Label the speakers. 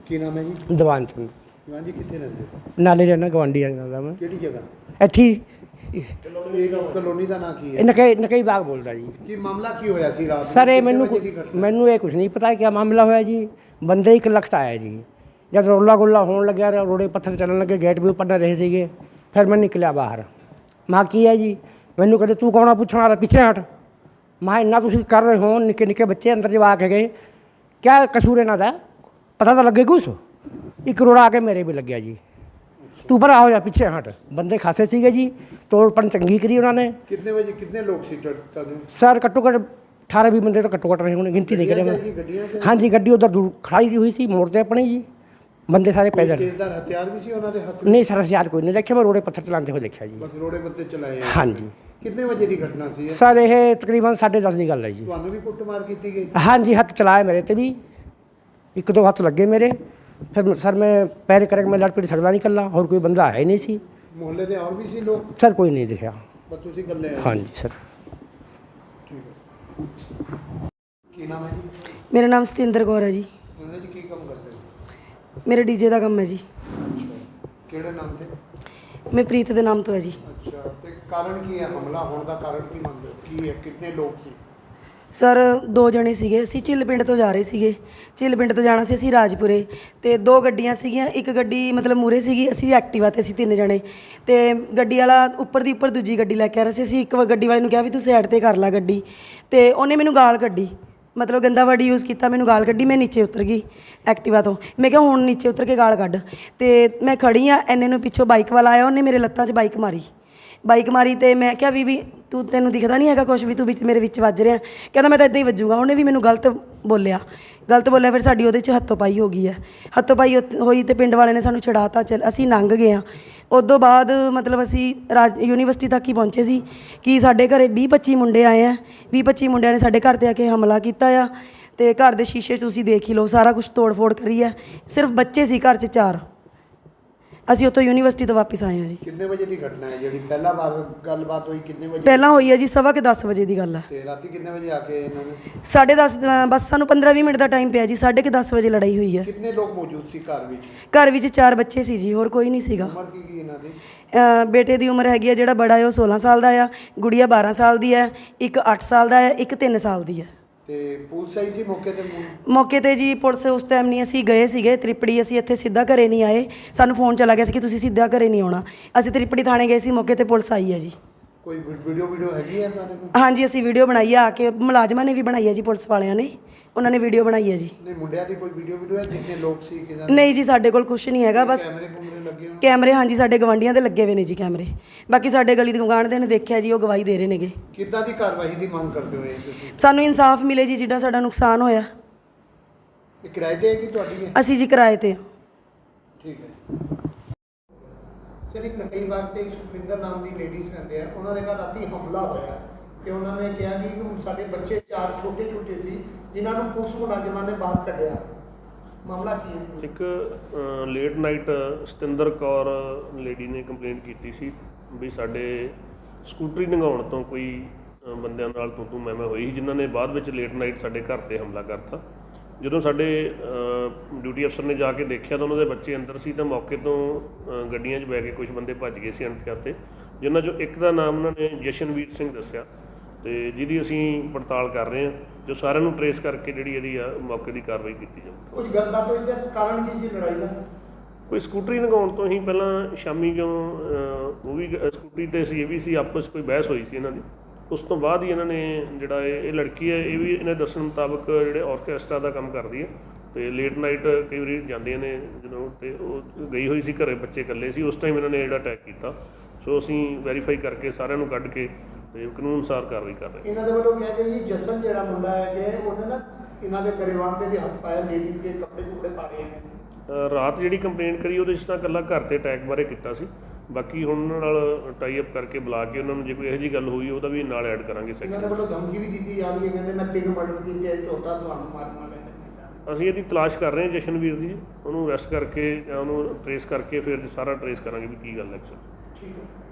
Speaker 1: ਕੀ ਨਾਮ ਹੈ ਜੀ?
Speaker 2: ਦੀਵਾਨ ਚੰਦ।
Speaker 1: ਦੀਵਾਨ ਜੀ ਕਿੱਥੇ ਰਹਿੰਦੇ ਹੋ?
Speaker 2: ਨਾਲੇ ਰਹਿਣਾ ਗਵਾਂਢੀ ਦਾ ਮੈਂ।
Speaker 1: ਕਿਹੜੀ ਜਗ੍ਹਾ?
Speaker 2: ਇੱਥੇ
Speaker 1: ਇਹ ਕਲੋਨੀ ਦਾ ਨਾਂ ਕੀ ਹੈ?
Speaker 2: ਨਕਈ ਬਾਗ ਬੋਲਦਾ ਜੀ।
Speaker 1: ਕੀ ਮਾਮਲਾ ਕੀ ਹੋਇਆ ਸੀ ਰਾਤ ਨੂੰ?
Speaker 2: ਸਰ ਇਹ
Speaker 1: ਕਿੰਨੇ ਵਜੇ ਦੀ ਘਟਨਾ?
Speaker 2: ਮੈਨੂੰ ਇਹ ਕੁਝ ਨਹੀਂ ਪਤਾ ਕੀ ਮਾਮਲਾ ਹੋਇਆ ਜੀ। ਬੰਦੇ 1 ਲੱਖ ਤਾਂ ਆਇਆ ਜੀ। ਜਦ ਰੌਲਾ ਗੋਲਾ ਹੋਣ ਲੱਗਿਆ, ਰੋੜੇ ਪੱਥਰ ਚੱਲਣ ਲੱਗੇ, ਗੇਟ ਵੀ ਉੱਪਰ ਰਹੇ ਸੀਗੇ। ਫਿਰ ਮੈਂ ਨਿਕਲਿਆ ਬਾਹਰ। ਮਾਂ ਕੀ ਹੈ ਜੀ? ਮੈਨੂੰ ਕਹਿੰਦੇ ਤੂੰ ਕੌਣ ਆ ਪੁੱਛਣ ਵਾਲਾ, ਪਿੱਛੇ ਹਟ। ਮੈਂ ਇੰਨਾ ਤੁਸੀਂ ਕਰ ਰਹੇ ਹੋ, ਨਿੱਕੇ ਨਿੱਕੇ ਬੱਚੇ ਅੰਦਰ ਜਵਾ ਕੇ ਗਏ, ਕਿਆ ਕਸੂਰ ਇਹਨਾਂ ਦਾ? ਪਤਾ ਤਾਂ ਲੱਗੇ ਕੁਛ। 1 ਰੋੜਾ ਆ ਕੇ ਮੇਰੇ ਵੀ ਲੱਗਿਆ ਜੀ। ਤੂੰ ਭਰਾ ਹੋ ਜਾ, ਪਿੱਛੇ ਹਟ। ਬੰਦੇ ਖਾਸੇ ਸੀਗੇ ਜੀ, ਤੋੜ ਭੰਨ ਚੰਗੀ ਕਰੀ ਉਹਨਾਂ ਨੇ।
Speaker 1: ਕਿੰਨੇ ਵਜੇ ਕਿੰਨੇ ਲੋਕ ਸੀ ਤੁਹਾਨੂੰ?
Speaker 2: ਸਰ ਘੱਟੋ ਘੱਟ 18-20 ਬੰਦੇ ਤਾਂ ਘੱਟੋ ਘੱਟ ਰਹੇ ਹੋਣੇ, ਗਿਣਤੀ ਨਹੀਂ ਕਰਿਆ ਮੈਂ। ਹਾਂਜੀ, ਗੱਡੀ ਉੱਧਰ ਦੂਰ ਖੜਾਈ ਹੋਈ ਸੀ ਮੋੜ 'ਤੇ ਆਪਣੀ ਜੀ। ਬੰਦੇ ਸਾਰੇ ਪੈਦਲ।
Speaker 1: ਤੇਜ਼ਦਾਰ ਹਥਿਆਰ ਵੀ ਸੀ ਉਹਨਾਂ ਦੇ ਹੱਥ?
Speaker 2: ਨਹੀਂ ਸਰ, ਹਥਿਆਰ ਕੋਈ ਨਹੀਂ ਦੇਖਿਆ, ਮੈਂ ਰੋੜੇ ਪੱਥਰ ਚਲਾਉਂਦੇ ਹੋਏ ਦੇਖਿਆ ਜੀ।
Speaker 1: ਬਸ ਰੋੜੇ ਪੱਤੇ ਚਲਾਏ?
Speaker 2: ਹਾਂਜੀ।
Speaker 1: ਕਿੰਨੇ ਵਜੇ ਦੀ ਘਟਨਾ ਸੀ?
Speaker 2: ਸਰ ਇਹ ਤਕਰੀਬਨ 10:30 ਦੀ ਗੱਲ ਹੈ ਜੀ।
Speaker 1: ਤੁਹਾਨੂੰ ਵੀ ਕੁੱਟਮਾਰ ਕੀਤੀ ਗਈ?
Speaker 2: ਹਾਂਜੀ, ਹੱਥ ਚਲਾਏ ਮੇਰੇ ਤੇ ਵੀ, 1-2 ਹੱਥ ਲੱਗੇ ਮੇਰੇ। ਫਿਰ ਸਰ ਮੈਂ ਪੈਰ ਕਰਕੇ ਮੈਂ ਲੜ ਪੀੜ ਸਕਦਾ ਨਹੀਂ ਇਕੱਲਾ, ਹੋਰ ਕੋਈ ਬੰਦਾ ਹੈ ਹੀ ਨਹੀਂ ਸੀ
Speaker 1: ਮੁਹੱਲੇ ਦੇ। ਹੋਰ ਵੀ ਸੀ ਲੋਕ?
Speaker 2: ਸਰ ਕੋਈ ਨਹੀਂ ਦਿਖਿਆ।
Speaker 1: ਬਸ ਤੁਸੀਂ ਇਕੱਲੇ ਆਏ?
Speaker 2: ਹਾਂਜੀ ਸਰ।
Speaker 1: ਠੀਕ ਹੈ। ਕੀ ਨਾਮ ਹੈ ਜੀ?
Speaker 3: ਮੇਰਾ ਨਾਮ ਸਤਿੰਦਰ ਕੌਰ ਹੈ ਜੀ।
Speaker 1: ਜੀ ਕੀ ਕੰਮ ਕਰਦੇ ਹੋ?
Speaker 3: ਮੇਰਾ ਡੀਜੇ ਦਾ ਕੰਮ ਹੈ ਜੀ।
Speaker 1: ਅੱਛਾ, ਕਿਹੜੇ ਨਾਮ ਤੇ?
Speaker 3: ਮੈਂ ਪ੍ਰੀਤ ਦੇ ਨਾਮ ਤੋਂ ਹੈ ਜੀ।
Speaker 1: ਅੱਛਾ, ਤੇ ਕਾਰਨ ਕੀ ਹੈ ਹਮਲਾ ਹੋਣ ਦਾ? ਕਾਰਨ ਕੀ ਮੰਨਦੇ ਹੋ? ਕੀ ਹੈ? ਕਿੰਨੇ ਲੋਕ ਸੀ?
Speaker 3: ਸਰ 2 ਜਣੇ ਸੀਗੇ। ਅਸੀਂ ਝਿੱਲ ਪਿੰਡ ਤੋਂ ਜਾ ਰਹੇ ਸੀਗੇ। ਝਿੱਲ ਪਿੰਡ ਤੋਂ ਜਾਣਾ ਸੀ ਅਸੀਂ ਰਾਜਪੁਰੇ, ਤੇ 2 ਗੱਡੀਆਂ ਸੀਗੀਆਂ। ਇੱਕ ਗੱਡੀ ਮਤਲਬ ਮੂਰੇ ਸੀਗੀ, ਅਸੀਂ ਐਕਟਿਵਾ ਤੇ ਅਸੀਂ 3 ਜਣੇ, ਤੇ ਗੱਡੀ ਵਾਲਾ ਉੱਪਰ ਦੀ ਉੱਪਰ ਦੂਜੀ ਗੱਡੀ ਲੈ ਕੇ ਆ ਰਿਹਾ ਸੀ। ਅਸੀਂ ਇੱਕ ਗੱਡੀ ਵਾਲੇ ਨੂੰ ਕਿਹਾ ਵੀ ਤੂੰ ਸਾਈਡ ਤੇ ਕਰ ਲੈ ਗੱਡੀ, ਤੇ ਉਹਨੇ ਮੈਨੂੰ ਗਾਲ ਕੱਢੀ, ਮਤਲਬ ਗੰਦਾ ਵਰਡ ਯੂਜ਼ ਕੀਤਾ, ਮੈਨੂੰ ਗਾਲ ਕੱਢੀ। ਮੈਂ ਨੀਚੇ ਉਤਰ ਗਈ ਐਕਟਿਵਾ ਤੋਂ। ਮੈਂ ਕਿਹਾ ਹੁਣ ਨੀਚੇ ਉਤਰ ਕੇ ਗਾਲ ਕੱਢ, ਤੇ ਮੈਂ ਖੜੀ ਆ। ਇੰਨੇ ਨੂੰ ਪਿੱਛੋਂ ਬਾਈਕ ਵਾਲਾ ਆਇਆ, ਉਹਨੇ ਮੇਰੇ ਲੱਤਾਂ 'ਚ ਬਾਈਕ ਮਾਰੀ, ਤੇ ਮੈਂ ਕਿਹਾ ਵੀ ਤੈਨੂੰ ਦਿਖਦਾ ਨਹੀਂ ਹੈਗਾ ਕੁਛ ਵੀ, ਤੂੰ ਵਿੱਚ ਮੇਰੇ ਵਿੱਚ ਵੱਜ ਰਿਹਾ। ਕਹਿੰਦਾ ਮੈਂ ਤਾਂ ਇੱਦਾਂ ਹੀ ਵੱਜੂਗਾ। ਉਹਨੇ ਵੀ ਮੈਨੂੰ ਗਲਤ ਬੋਲਿਆ। ਫਿਰ ਸਾਡੀ ਉਹਦੇ 'ਚ ਹੱਥੋਂ ਪਾਈ ਹੋ ਗਈ ਹੈ। ਹੱਥੋਂ ਪਾਈ ਹੋਈ ਤੇ ਪਿੰਡ ਵਾਲੇ ਨੇ ਸਾਨੂੰ ਛਡਾਤਾ। ਅਸੀਂ ਲੰਘ ਗਏ ਹਾਂ। ਉਸ ਤੋਂ ਬਾਅਦ ਮਤਲਬ ਅਸੀਂ ਯੂਨੀਵਰਸਿਟੀ ਤੱਕ ਹੀ ਪਹੁੰਚੇ ਸੀ ਕਿ ਸਾਡੇ ਘਰੇ 20-25 ਮੁੰਡੇ ਆਏ ਆ। 20-25 ਮੁੰਡਿਆਂ ਨੇ ਸਾਡੇ ਘਰ 'ਤੇ ਆ ਕੇ ਹਮਲਾ ਕੀਤਾ ਆ, ਤੇ ਘਰ ਦੇ ਸ਼ੀਸ਼ੇ 'ਚ ਤੁਸੀਂ ਦੇਖ ਹੀ ਲਓ, ਸਾਰਾ ਕੁਛ ਤੋੜ ਫੋੜ ਕਰੀ ਹੈ। ਸਿਰਫ ਬੱਚੇ ਸੀ ਘਰ 'ਚ 4। ਅਸੀਂ ਉੱਥੋਂ ਯੂਨੀਵਰਸਿਟੀ ਤੋਂ ਵਾਪਸ ਆਏ ਹਾਂ ਜੀ।
Speaker 1: ਕਿੰਨੇ ਵਜੇ ਦੀ ਘਟਨਾ ਹੈ ਜਿਹੜੀ ਪਹਿਲਾ ਵਾਰ ਗੱਲਬਾਤ ਹੋਈ? ਕਿੰਨੇ ਵਜੇ
Speaker 3: ਪਹਿਲਾਂ ਹੋਈ ਹੈ ਜੀ 10:15 ਵਜੇ ਦੀ ਗੱਲ ਹੈ।
Speaker 1: ਤੇ ਰਾਤੀ ਕਿੰਨੇ ਵਜੇ ਆ ਕੇ ਇਹਨਾਂ ਨੇ?
Speaker 3: 10:30, ਬਸ ਸਾਨੂੰ 15-20 ਮਿੰਟ ਦਾ ਟਾਈਮ ਪਿਆ ਜੀ। 10:30 ਵਜੇ ਲੜਾਈ ਹੋਈ ਹੈ।
Speaker 1: ਕਿੰਨੇ ਲੋਕ ਮੌਜੂਦ ਸੀ ਘਰ ਵਿੱਚ?
Speaker 3: ਘਰ ਵਿੱਚ 4 ਬੱਚੇ ਸੀ ਜੀ, ਹੋਰ ਕੋਈ ਨਹੀਂ ਸੀਗਾ।
Speaker 1: ਉਮਰ ਕੀ ਇਹਨਾਂ ਦੀ?
Speaker 3: ਬੇਟੇ ਦੀ ਉਮਰ ਹੈਗੀ ਹੈ, ਜਿਹੜਾ ਬੜਾ ਹੈ ਉਹ 16 ਸਾਲ ਦਾ ਆ, ਗੁੜੀਆ 12 ਸਾਲ ਦੀ ਹੈ, ਇੱਕ 8 ਸਾਲ ਦਾ ਹੈ, ਇੱਕ 3 ਸਾਲ ਦੀ ਹੈ।
Speaker 1: ਤੇ ਪੁਲਿਸ ਆਈ ਸੀ ਮੌਕੇ ਤੇ?
Speaker 3: ਮੌਕੇ ਤੇ ਜੀ ਪੁਲਿਸ ਉਸ ਟਾਈਮ ਨਹੀਂ, ਅਸੀਂ ਗਏ ਸੀਗੇ ਤ੍ਰਿਪੜੀ। ਅਸੀਂ ਇੱਥੇ ਸਿੱਧਾ ਘਰੇ ਨਹੀਂ ਆਏ, ਸਾਨੂੰ ਫੋਨ ਚਲਾ ਗਿਆ ਸੀ ਕਿ ਤੁਸੀਂ ਸਿੱਧਾ ਘਰੇ ਨਹੀਂ ਆਉਣਾ। ਅਸੀਂ ਤ੍ਰਿਪੜੀ ਥਾਣੇ ਗਏ ਸੀ, ਮੌਕੇ ਤੇ ਪੁਲਿਸ ਆਈ ਹੈ ਜੀ।
Speaker 1: ਕੋਈ ਵੀਡੀਓ ਹੈਗੀ ਹੈ ਤੁਹਾਡੇ ਕੋਲ?
Speaker 3: ਹਾਂਜੀ, ਅਸੀਂ ਵੀਡੀਓ ਬਣਾਈ ਆ ਕੇ, ਮੁਲਾਜ਼ਮਾਂ ਨੇ ਵੀ ਬਣਾਈ ਹੈ ਜੀ, ਪੁਲਿਸ ਵਾਲਿਆਂ ਨੇ, ਉਹਨਾਂ ਨੇ ਵੀਡੀਓ ਬਣਾਈ ਹੈ ਜੀ।
Speaker 1: ਨਹੀਂ, ਮੁੰਡਿਆਂ ਦੀ ਕੋਈ ਵੀਡੀਓ ਹੈ? ਜਿੰਨੇ ਲੋਕ ਸੀ ਕਿਦਾਂ?
Speaker 3: ਨਹੀਂ ਜੀ, ਸਾਡੇ ਕੋਲ ਕੁਝ ਨਹੀਂ ਹੈਗਾ। ਬਸ
Speaker 1: ਕੈਮਰੇ ਲੱਗੇ ਹੋਣ?
Speaker 3: ਕੈਮਰੇ ਹਾਂਜੀ ਸਾਡੇ ਗਵਾਂਢੀਆਂ ਦੇ ਲੱਗੇ ਹੋਏ ਨੇ ਜੀ ਕੈਮਰੇ। ਬਾਕੀ ਸਾਡੇ ਗਲੀ ਦੇ ਗੁਆਂਢ ਦੇ ਨੇ ਦੇਖਿਆ ਜੀ, ਉਹ ਗਵਾਹੀ ਦੇ ਰਹੇ ਨੇਗੇ।
Speaker 1: ਕਿੱਦਾਂ ਦੀ ਕਾਰਵਾਈ ਦੀ ਮੰਗ ਕਰਦੇ ਹੋ ਤੁਸੀਂ?
Speaker 3: ਸਾਨੂੰ ਇਨਸਾਫ ਮਿਲੇ ਜੀ, ਜਿਹੜਾ ਸਾਡਾ ਨੁਕਸਾਨ ਹੋਇਆ।
Speaker 1: ਇਹ ਕਿਰਾਏ ਤੇ ਹੈ ਕਿ ਤੁਹਾਡੀ ਹੈ?
Speaker 3: ਅਸੀਂ ਜੀ ਕਿਰਾਏ ਤੇ।
Speaker 1: ਠੀਕ ਹੈ ਸਰ। ਇੱਕ ਨਕਈ ਬਾਗ ਤੇ ਇੱਕ ਸੁਖਵਿੰਦਰ ਨਾਮ ਦੀ ਲੇਡੀਜ਼ ਰਹਿੰਦੇ ਆ, ਉਹਨਾਂ ਦੇ ਘਰ ਰਾਤੀ ਹਮਲਾ ਹੋਇਆ ਤੇ ਉਹਨਾਂ ਨੇ ਕਿਹਾ ਜੀ ਕਿ ਸਾਡੇ ਬੱਚੇ 4 ਛੋਟੇ ਸੀ ਜਿਨ੍ਹਾਂ ਨੂੰ ਪੁਲਿਸ ਮੁਲਾਜ਼ਮਾਂ ਨੇ ਬਾਹਰ ਕੱਢਿਆ। ਮਾਮਲਾ ਕੀ ਹੈ?
Speaker 4: ਇੱਕ late night Satinder Kaur lady ਨੇ ਕੰਪਲੇਂਟ ਕੀਤੀ ਸੀ ਵੀ ਸਾਡੇ ਸਕੂਟਰੀ ਲੰਘਾਉਣ ਤੋਂ ਕੋਈ ਬੰਦਿਆਂ ਨਾਲ ਤੂੰ ਮੈਂ ਹੋਈ, ਜਿਨ੍ਹਾਂ ਨੇ ਬਾਅਦ ਵਿੱਚ ਲੇਟ ਨਾਈਟ ਸਾਡੇ ਘਰ 'ਤੇ ਹਮਲਾ ਕਰਤਾ। ਜਦੋਂ ਸਾਡੇ ਡਿਊਟੀ ਅਫਸਰ ਨੇ ਜਾ ਕੇ ਦੇਖਿਆ ਤਾਂ ਉਹਨਾਂ ਦੇ ਬੱਚੇ ਅੰਦਰ ਸੀ, ਤਾਂ ਮੌਕੇ ਤੋਂ ਗੱਡੀਆਂ 'ਚ ਬਹਿ ਕੇ ਕੁਝ ਬੰਦੇ ਭੱਜ ਗਏ ਸੀ ਅਣਪਛਾਤੇ, ਜਿਨ੍ਹਾਂ 'ਚੋਂ ਇੱਕ ਦਾ ਨਾਮ ਉਹਨਾਂ ਨੇ ਜਸ਼ਨਵੀਰ ਸਿੰਘ ਦੱਸਿਆ, ਤੇ ਜਿਹਦੀ ਅਸੀਂ ਪੜਤਾਲ ਕਰ ਰਹੇ ਹਾਂ, ਜੋ ਸਾਰਿਆਂ ਨੂੰ ਟਰੇਸ ਕਰਕੇ ਜਿਹੜੀ ਇਹਦੀ ਆ ਮੌਕੇ ਦੀ ਕਾਰਵਾਈ ਕੀਤੀ ਜਾਵੇ।
Speaker 1: ਕੁਝ ਗੱਲਬਾਤ ਹੋਈ ਸਰ? ਕਾਰਨ ਕੀ ਸੀ ਲੜਾਈ ਦਾ?
Speaker 4: ਕੋਈ ਸਕੂਟਰੀ ਲੰਘਾਉਣ ਤੋਂ ਹੀ ਪਹਿਲਾਂ ਸ਼ਾਮੀ ਜਦੋਂ ਉਹ ਵੀ ਸਕੂਟਰੀ 'ਤੇ ਸੀ, ਇਹ ਵੀ ਸੀ, ਆਪਸ 'ਚ ਕੋਈ ਬਹਿਸ ਹੋਈ ਸੀ ਇਹਨਾਂ ਦੀ। ਉਸ ਤੋਂ ਬਾਅਦ ਹੀ ਇਹਨਾਂ ਨੇ ਜਿਹੜਾ ਇਹ ਲੜਕੀ ਹੈ, ਇਹ ਵੀ ਇਹਨਾਂ ਦੱਸਣ ਮੁਤਾਬਕ ਜਿਹੜੇ ਔਰਕੈਸਟਰਾ ਦਾ ਕੰਮ ਕਰਦੀ ਹੈ, ਤੇ ਲੇਟ ਨਾਈਟ ਕਈ ਵਾਰੀ ਜਾਂਦੀਆਂ ਨੇ ਜਦੋਂ, ਤੇ ਉਹ ਗਈ ਹੋਈ ਸੀ ਘਰੇ, ਬੱਚੇ ਇਕੱਲੇ ਸੀ ਉਸ ਟਾਈਮ ਇਹਨਾਂ ਨੇ ਜਿਹੜਾ ਅਟੈਕ ਕੀਤਾ। ਸੋ ਅਸੀਂ ਵੈਰੀਫਾਈ ਕਰਕੇ ਸਾਰਿਆਂ ਨੂੰ ਕੱਢ ਕੇ ਤੇ ਕਾਨੂੰਨ ਅਨੁਸਾਰ ਕਾਰਵਾਈ ਕਰ ਰਹੇ।
Speaker 1: ਇਹਨਾਂ ਦੇ ਵੱਲੋਂ ਕਿਹਾ ਗਿਆ ਜੀ ਜਸਨ ਜਿਹੜਾ ਮੁੰਡਾ ਹੈ ਕਿ ਉਹਨੇ ਨਾ ਇਹਨਾਂ ਦੇ ਗਰੇਵਾਨ ਤੇ ਵੀ ਹੱਥ ਪਾਇਆ, ਲੇਡੀਜ਼ ਦੇ ਕੱਪੜੇ ਪਾ ਰਹੇ ਨੇ।
Speaker 4: ਰਾਤ ਜਿਹੜੀ ਕੰਪਲੇਂਟ ਕਰੀ ਉਹਦੇ 'ਚ ਤਾਂ ਇਕੱਲਾ ਘਰ 'ਤੇ ਅਟੈਕ ਬਾਰੇ ਕੀਤਾ ਸੀ, ਬਾਕੀ ਹੁਣ ਉਹਨਾਂ ਨਾਲ ਟਾਈ ਅਪ ਕਰਕੇ ਬੁਲਾ ਕੇ ਉਹਨਾਂ ਨੂੰ ਜੇ ਕੋਈ ਇਹੋ ਜਿਹੀ ਗੱਲ ਹੋਈ ਉਹਦਾ ਵੀ ਨਾਲ ਐਡ ਕਰਾਂਗੇ।
Speaker 1: ਇਹਨਾਂ ਦੇ ਵੱਲੋਂ ਧਮਕੀ ਵੀ ਦਿੱਤੀ ਜਾ ਰਹੀ ਹੈ, ਕਹਿੰਦੇ ਮੈਂ 3 ਮਰਡਰ ਕੀਤੇ, ਚੌਥਾ ਤੁਹਾਨੂੰ ਮਾਰਨਾ ਪੈਂਦਾ।
Speaker 4: ਅਸੀਂ ਇਹਦੀ ਤਲਾਸ਼ ਕਰ ਰਹੇ ਹਾਂ ਜਸ਼ਨਵੀਰ ਦੀ, ਉਹਨੂੰ ਅਰੈਸਟ ਕਰਕੇ ਜਾਂ ਉਹਨੂੰ ਟਰੇਸ ਕਰਕੇ ਫਿਰ ਸਾਰਾ ਟਰੇਸ ਕਰਾਂਗੇ ਵੀ ਕੀ ਗੱਲ ਹੈ।
Speaker 1: ਠੀਕ ਹੈ।